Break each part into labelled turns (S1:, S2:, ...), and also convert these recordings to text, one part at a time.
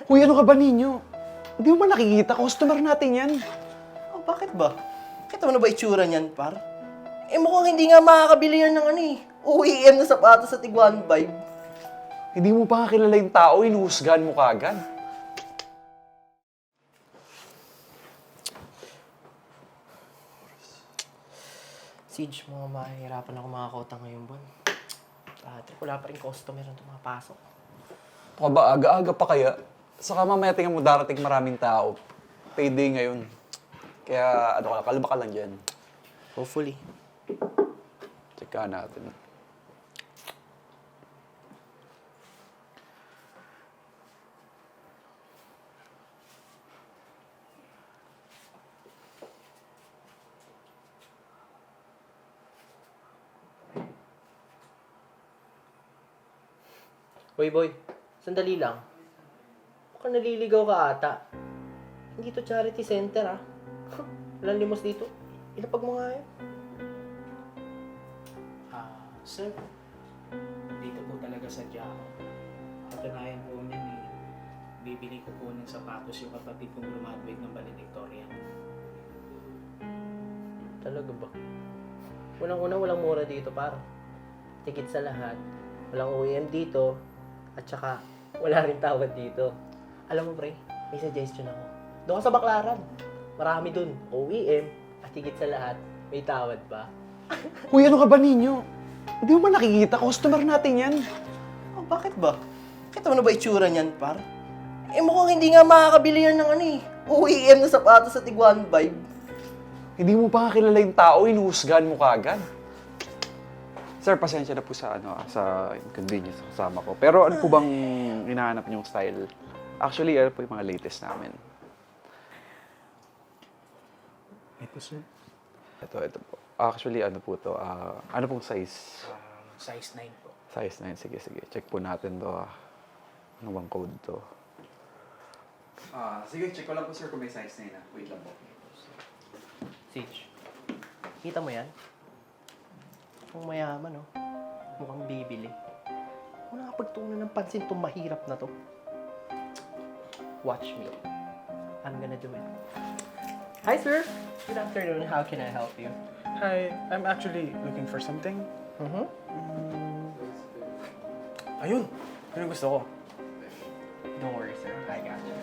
S1: Hoy, ano ka ba ninyo? Hindi mo ba nakikita? Customer natin yan.
S2: Oh, bakit ba? Kita mo na ba itsura niyan, par? Eh mukhang hindi nga makakabili yan ng OEM na sapatos sa Tiguan Vibe.
S1: Hindi mo pa nga kilala yung tao, inuhusgahan mo kaagad.
S2: Siege, mga mahihirapan ako makakota ngayong buwan. Trip, wala pa rin customer na tumapasok.
S1: Baka ba, aga-aga pa kaya? Saka mamaya tingnan mo darating maraming tao. Payday ngayon. Kaya, kalma ka lang dyan.
S2: Hopefully.
S1: Tsaka natin.
S2: Hoy boy, sandali lang. Mukhang naliligaw ka ata. Hindi to charity center ah. Walang limos dito. Ilapag mo nga yan.
S3: Sir, dito po talaga sadya ako. Katunayan po niyan bibili ko po ng sapatos yung kapatid kong graduate ng valedictorian.
S2: Talaga ba? Unang-una, walang mura dito par. Tikit sa lahat. Walang OEM dito. At saka, wala rin tawad dito. Alam mo pre, may suggestion ako. Doon ka sa Baklaran. Marami dun. OEM. At higit sa lahat, may tawad pa.
S1: Hoy, ano ka ba ninyo? Hindi mo ba nakikita? Customer natin yan.
S2: Oh, bakit ba? Kita mo na ba itsura niyan, par? Eh mukhang hindi nga makakabili yan ng OEM na sapatos sa Tiguan Vibe.
S1: Hindi mo pa nga kilala yung tao, inuhusgahan mo kaagad. Sir, pasensya na po sa inconvenience sa kasama ko. Pero ano po bang hinahanap niyong style? Actually, ano po yung mga latest namin?
S3: Ito sir,
S1: Ito po. Actually, ano po to? Ano pong size?
S3: size 9 po.
S1: Size 9. Sige. Check po natin to. Ano bang code to? Sige, check ko lang po sir kung may size 9 na. Wait lang po.
S2: Sage, kita mo yan? Kung mayaman, oh. Mukhang bibili. Wala nakapagtuunan ng pansin itong mahirap na to. Watch me. I'm gonna do it. Hi, sir. Good afternoon. How can I help you?
S4: Hi, I'm actually looking for something.
S2: Mm-hmm.
S4: Ayun! Yun ang gusto ko.
S2: Don't worry, sir. I got you.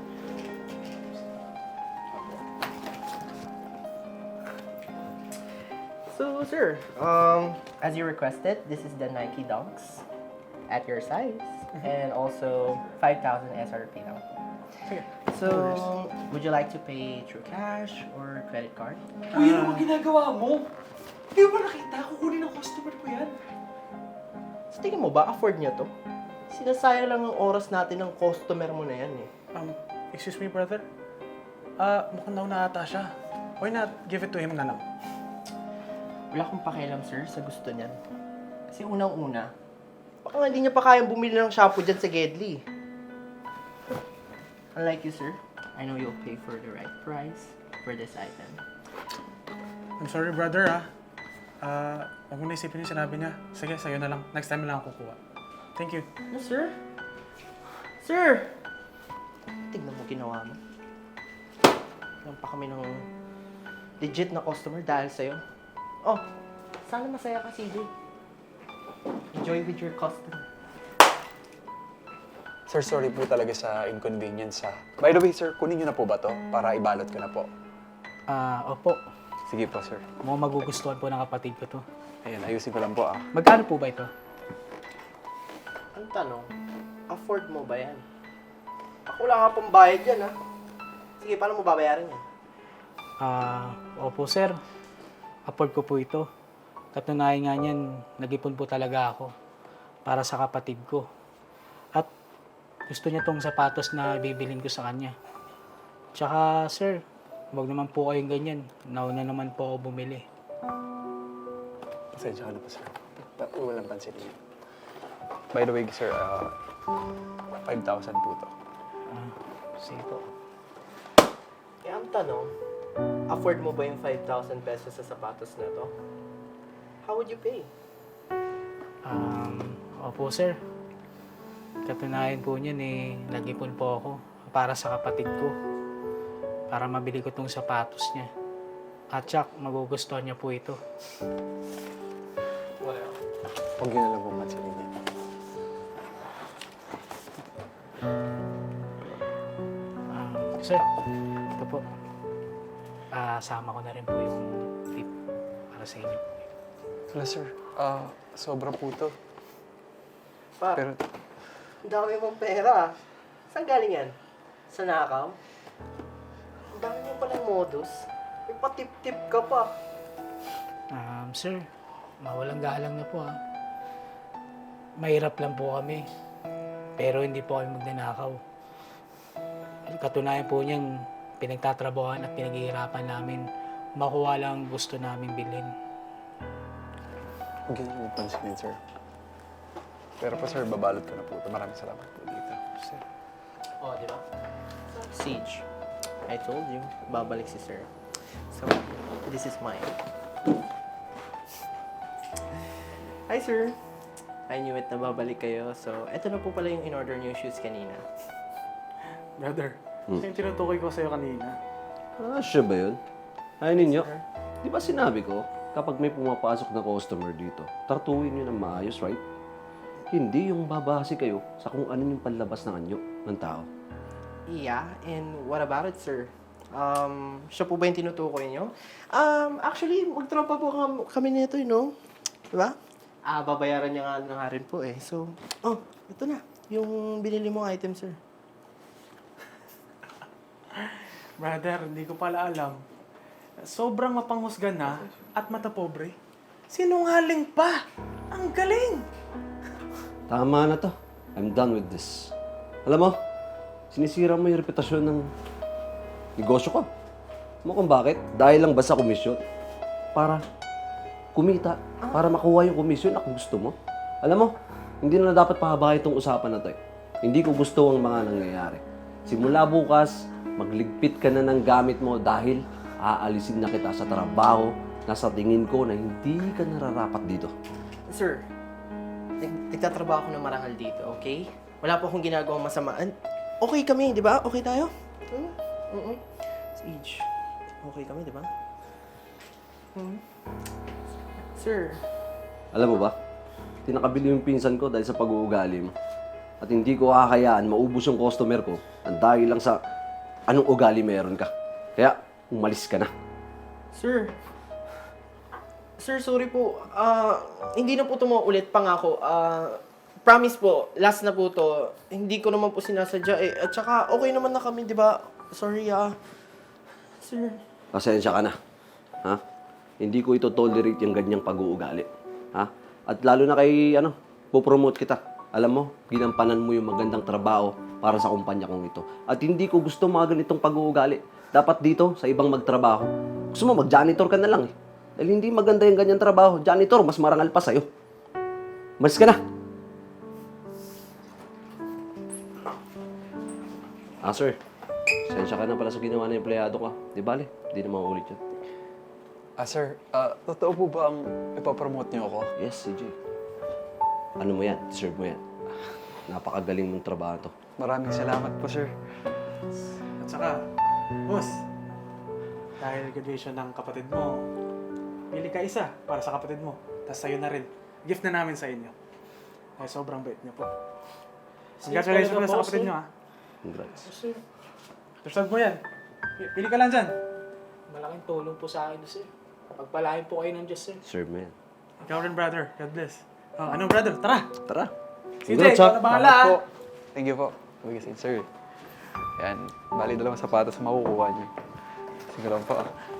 S2: So, sir, as you requested, this is the Nike Dunks at your size, and also 5,000 SRP now.
S4: Sige.
S2: So, would you like to pay through cash or credit card?
S1: Uy, ano ba ginagawa mo? Hindi mo ba nakita? Kukunin ng customer ko yan.
S2: So, tingin mo ba, afford niya to? Sinasayang lang ang oras natin ng customer mo na yan eh.
S4: Excuse me, brother. Mukhang nauna ata siya. Why not give it to him na lang?
S2: Wala akong pakialam, sir, sa gusto niyan. Kasi unang-una, baka nga hindi niya pa kayang bumili ng shampoo dyan sa Gedli. Unlike you, sir, I know you'll pay for the right price for this item.
S4: I'm sorry, brother, huwag mo na isipin yung sinabi niya. Sige, sa'yo na lang. Next time na lang ako kukuha. Thank you.
S2: No, sir? Sir! Tignan mo ginawa mo. Yan pa kami ng legit na customer dahil sa'yo. Oh, sana masaya ka, CJ. Enjoy with your customer.
S1: Sir, sorry po talaga sa inconvenience ha. By the way, sir, kunin niyo na po ba to? Para ibalot ko na po.
S3: Opo.
S1: Sige po, sir.
S3: Mukhang magugustuhan po ng kapatid ko to.
S1: Ayan, ayusin ko lang po ah.
S3: Magkano po ba ito?
S2: Ang tanong, afford mo ba yan? Ako wala ka pang bayad yan, ha? Sige, paano mo babayaran yan?
S3: Opo sir. Afford ko po ito. Katunayan nga niyan, nag-ipon po talaga ako para sa kapatid ko. At gusto niya tong sapatos na bibilin ko sa kanya. Tsaka sir, huwag naman po kayong ganyan. Nauna naman po ako bumili.
S1: Pasensya ka na po, sir. Walang pansinin niyo. By the way, sir, 5,000 po to.
S3: Sige po.
S2: Eh, ang tanong, afford mo ba yung 5,000 pesos sa sapatos na to? How would you pay?
S3: Opo sir. Katunayan po niyan nag-ipon po ako para sa kapatid ko. Para mabili ko tong sapatos niya. At tsak, magugustuhan niya po ito.
S1: Huwag yun na lang bumat sa inyo.
S3: Sir, ito po. Sama ko na rin po yung tip para sa inyo.
S1: Wala, sir. Sobra po to.
S2: Pa,
S1: Pero,
S2: ang dami mong pera. Saan galing yan? Sa nakaw? Ang dami mo palang modus. May patip-tip ka pa.
S3: Sir, mawalang galang na po Mahirap lang po kami. Pero hindi po kami magnanakaw. Katunayan po niyan, pinagtatrabahoan at pinaghihirapan namin. Makuha lang ang gusto namin bilhin.
S1: huwag yun na lang pansinin, sir. Pero po, sir, babalot ko na po ito. Maraming salamat po dito, sir.
S2: Oh, di ba? Siege, I told you, babalik si Sir. So, this is mine. Hi, Sir. I knew it na babalik kayo. So, eto na po pala yung in-order niyo shoes kanina.
S4: Brother, siya yung tinutukoy ko sa'yo kanina.
S5: Siya ba yun? Ay ninyo, di ba sinabi ko, kapag may pumapasok na customer dito, tartuin nyo ng maayos, right? Hindi yung babase kayo sa kung ano yung panlabas ng anyo ng tao.
S2: Yeah, and what about it, Sir? Siya po ba yung tinutukoy niyo? Actually, magtropa po kami nito, you know? Diba? Babayaran niya nga rin po eh. So, ito na. Yung binili mong item, Sir.
S4: Brother, hindi ko pala alam. Sobrang mapanghusga na at matapobre. Sinungaling pa! Ang galing!
S5: Tama na to. I'm done with this. Alam mo, sinisira mo yung reputasyon ng negosyo ko. Mo kung bakit? Dahil lang ba sa komisyon? Para kumita. Para makuha yung komisyon na gusto mo. Alam mo, hindi na dapat pahabahin itong usapan na to eh. Hindi ko gusto ang mga nangyayari. Simula bukas, magligpit ka na ng gamit mo dahil aalisin na kita sa trabaho na sa tingin ko na hindi ka nararapat dito.
S2: Sir, nagtatrabaho ako ng marangal dito, okay? Wala po akong ginagawang masamaan. Okay kami, di ba? Okay tayo? Siege, okay kami, di ba? Sir,
S5: Alam mo ba, tinakabili yung pinsan ko dahil sa pag-uugali mo. At hindi ko kakayaan maubos yung customer ko at dahil lang sa anong ugali meron ka. Kaya, umalis ka na.
S2: Sir, sorry po. Hindi na po ito maulit, pangako. Promise po, last na po to. Hindi ko naman po sinasadya eh. At saka, okay naman na kami, di ba? Sorry, Sir.
S5: Pasensya ka na. Ha? Hindi ko ito tolerate yung ganyang pag-uugali. Ha? At lalo na kay, popromote kita. Alam mo, ginampanan mo yung magandang trabaho para sa kumpanya kong ito. At hindi ko gusto mga ganitong pag-uugali. Dapat dito, sa ibang magtrabaho. Gusto mo, mag-janitor ka na lang eh. Dahil hindi maganda yung ganyang trabaho. Janitor, mas marangal pa sa'yo. Malis ka na. Sir. Sensya ka na pala sa ginawa ng empleyado ka. Di bale, hindi na mauulit yun.
S1: Sir, totoo po ba ang ipapromote niyo ako?
S5: Yes, CJ. Ano mo yan? Deserve mo yan. Napakagaling mong trabaho to.
S1: Maraming salamat po, sir.
S4: At saka, boss, dahil graduation ng kapatid mo, pili ka isa para sa kapatid mo. Tapos sa'yo na rin. Gift na namin sa inyo. Ay, sobrang bait niyo po. Congratulations
S3: talaga,
S4: pala sa
S3: boss,
S4: kapatid niyo, ha.
S5: Congrats.
S3: Sir,
S4: Deserve mo yan. Pili ka lang dyan.
S3: malaking tulong po sa akin, sir. Pagpalain po kayo ng Diyos, sir.
S5: Serve mo yan.
S4: Ikaw rin, brother. God bless. Ano, brother? Tara!
S5: Tara.
S4: CJ,
S5: Congrats,
S4: ikaw
S5: ha.
S4: na bahala,
S1: Salamat
S4: ha.
S1: po. Thank you po. Sige, sir. Yan. Bali, dalawang sapatos makukuha niyo. Sige lang po.